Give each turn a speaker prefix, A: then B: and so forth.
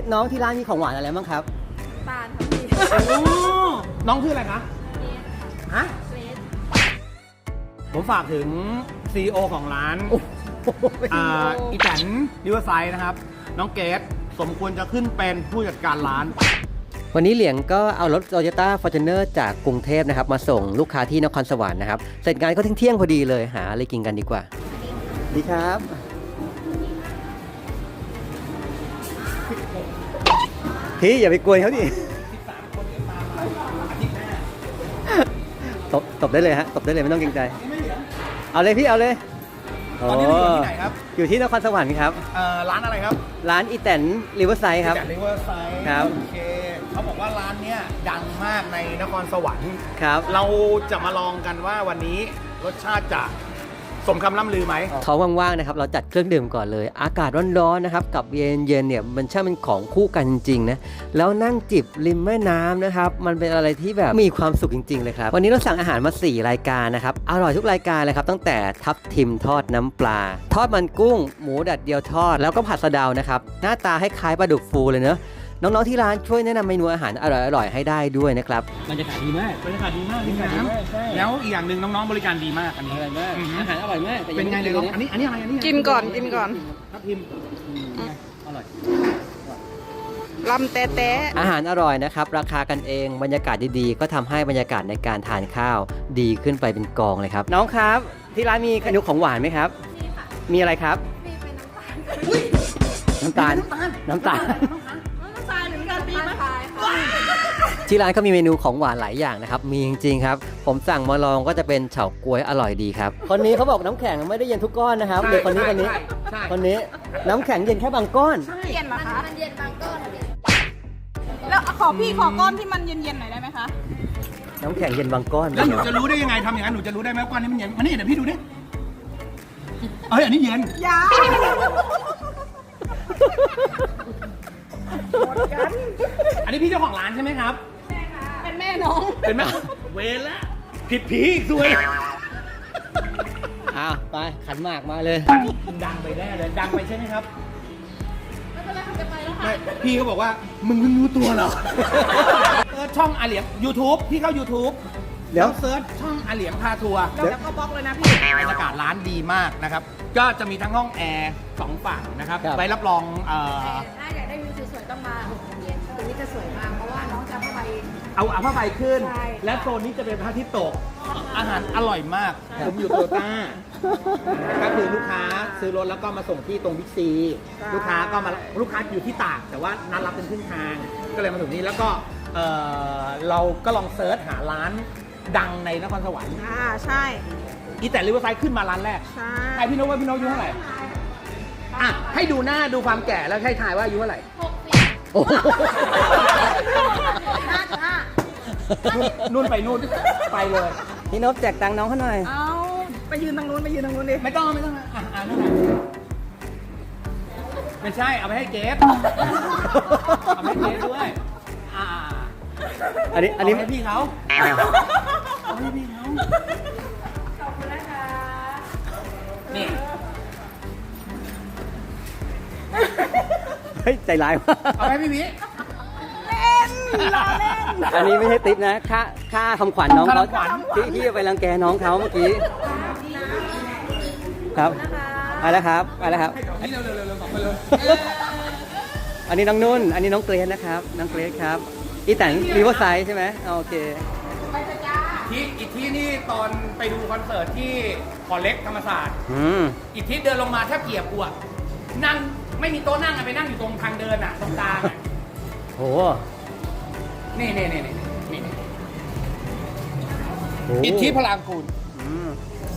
A: น้องที่ร้านมีของหวานอะไรบ้างครับ
B: ตาลครับพี่
C: น้องชื่ออะไรคะฮะผมฝากถึง CEO ของร้านอีแตนริเวอร์ไซด์นะครับน้องเกดสมควรจะขึ้นเป็นผู้จัดการร้าน
A: วันนี้เหลียงก็เอารถ Toyota Fortuner จากกรุงเทพนะครับมาส่งลูกค้าที่นครสวรรค์นะครับเสร็จงานก็เที่ยงพอดีเลยหาอะไรกินกันดีกว่าดีครับพี่อย่าไปกวนเขาดิตบได้เลยฮะตบได้เลยไม่ต้องเกรงใจเอาเลยพี่เอาเลย
C: ตอนนี้เราอยู่ที่ไหนครับ
A: อยู่ที่นครสวรรค์ครับ
C: ร้านอะไรครับ
A: ร้านอีแตนริเวอร์ไซด์ครับ
C: อีแตนริเวอร์ไซด์
A: ครับ
C: โอเคเขาบอกว่าร้านเนี้ยดังมากในนครสวรรค์
A: ครับ
C: เราจะมาลองกันว่าวันนี้รสชาติจะสมคำล่ำลือไหม
A: เขาว่างๆนะครับเราจัดเครื่องดื่มก่อนเลยอากาศร้อนๆนะครับกับเย็นๆเนี่ยมันช่างเป็นของคู่กันจริงๆนะแล้วนั่งจิบริมแม่น้ำนะครับมันเป็นอะไรที่แบบมีความสุขจริงๆเลยครับวันนี้เราสั่งอาหารมา4รายการนะครับอร่อยทุกรายการเลยครับตั้งแต่ทับทิมทอดน้ำปลาทอดมันกุ้งหมูดัดเดียวทอดแล้วก็ผัดสะเดานะครับหน้าตาให้คล้ายปลาดุกฟูเลยเนอะน้องๆที่ร้านช่วยแนะนำเมนูอาหารอร่อยๆให้ได้ด้วยนะครับบรรยากาศดีมาก
C: บรรยากาศดีมากริมน้ำแล้วอีกอย่างหนึ่งน้องๆบริการดีมากอันนี้
A: อร่อยมากอาหารอร่อยมากแต่
C: เป็นไงเลยน้องอันนี้อะไรอันนี้
B: กินก่อนกินก่อน
C: ทับทิม
A: อร่อย
B: ลำแต๊ะ
A: อาหารอร่อยนะครับราคากันเองบรรยากาศดีๆก็ทำให้บรรยากาศในการทานข้าวดีขึ้นไปเป็นกองเลยครับน้องครับที่ร้านมีเมนูของหวานไหมครับมีอะไรครับ
B: มีเป็นน้ำตาล
A: น้ำตาล
B: น้ำตาลหรือมีการปีไหมค่ะ
A: ที่ร้านก็มีเมนูของหวานหลายอย่างนะครับมีจริงๆครับผมสั่งมาลองก็จะเป็นเฉาก๊วยอร่อยดีครับคนนี้เขาบอกน้ำแข็งไม่ได้เย็นทุกก้อนนะครับเดี๋ยวคนนี้คนนี้น้ำแข็งเย็นแค่บางก้อน
B: เย็นเหรอคะ
D: มันเย็นบางก้อนอะพี่
B: แล้วขอพี่ขอก้อนที่มันเย็นๆหน่อยได้ไหมคะ
A: น้ำแข็งเย็นบางก้อน
C: แล้วหนูจะรู้ได้ยังไงทำอย่างนั้นหนูจะรู้ได้ไหมว่าก้อนนี้มันเย็นมานี่เดี๋ยวพี่ดูดิเอ้ยอันนี้เย็น
B: ยา
C: อันนี้พี่เจ้าของร้านใช่ไหมครับ
B: เป็นแม่น้อง
C: เป็นไหมเวรละผิดผีอีกซวย
A: อ้าวไปขันหมากมาเลย
C: ดังไปแน่เลยดังไปใช่ไหมครับ
D: ไม่เป็นไรค่ะจะไปแล้วค่ะ
C: ไม่พี่เขาบอกว่ามึงเพิ่งรู้ตัวเหรอช่องอาเหลียง YouTube พี่เข้า YouTube
A: เดี๋ยว
C: เซิร์ชช่องอาเหลียงพาทัวร์
B: แล้วก็บล็อกเลยนะพี่
C: บรรยากาศร้านดีมากนะครับ ก็จะมีทั้งห้องแอร์2ฝั่งนะครับ
A: ครับ
C: ไว้รับรอง
D: ถ้าอยากได้วิวสวยๆต้องมาเย็นตรงนี้จะสวยมากเพราะว่าน้องจะเข้าไป
C: เอาผ้าใบขึ้น
D: ใช่
C: และโซนนี้จะเป็นพระอาทิตย์ตก อาหารอร่อยมาก ผมอยู่โตโยต้าก็คือลูกค้าซื้อรถแล้วก็มาส่งที่ตรงบิ๊กซี ลูกค้าก็มาลูกค้าอยู่ที่ตาก แต่ว่านัดรับเป็นครึ่งทาง ก็เลยมาถึงนี้แล้วก็เราก็ลองเซิร์ชหาร้านดังในนครสวรรค์
B: ใช่
C: อีแต่ริเวอร์ไซด์ขึ้นมาร้านแรก
B: ใช่
C: ใครพี่นกว่าพี่นกอายุเท่าไหร่อ่ะให้ดูหน้าดูความแก่แล้วให้ทายว่าอายุเท่าไหร่
A: โอ้โห
C: นู่นไปนู่นไปเลย
A: พี่นพแจกตังค์น้องเขาหน่อย
B: เอาไปยืนทางนู้นไปยืนทางนู้นดิ
C: ไม่ต้องนะอ่านเท่าไหร่ไม่ใช่เอาไปให้เจฟเอาไปให้เจฟด้วย
A: อันนี้
C: เอาให้พี่เขาเอาให้พี่เขาขอบคุณนะคะนี่
A: เฮ้ยใจร้ายมาก
C: เอาให้พี่วิ
A: อันนี้ไม่ใช่ติ๊บนะค่าคำขวัญน้องเขา
C: ค่าคำขวัญ
A: ที่ไปรังแกน้องเขาเมื่อกี้ครับไปแล้วครับไปแล้วครับ
C: นี่เร็วๆๆๆไปเลย
A: อันนี้น้องนุ่น อันนี้น้องเกรซนะครับน้องเกรซครับอีแต่งรีเวอร์ไซด์ใช่ไหมโอเค
C: อีกที่นี่ตอนไปดูคอนเสิร์ตที่ขอเล็กธรรมศาสตร์ อีกที่เดินลงมาแทบเกียบกูอะนั่งไม่มีโต๊ะนั่งอะไปนั่งอยู่ตรงทางเดินอะตรงกลางอะ
A: โห
C: นี่
A: โห
C: อิทธิพลางกูล
A: อืม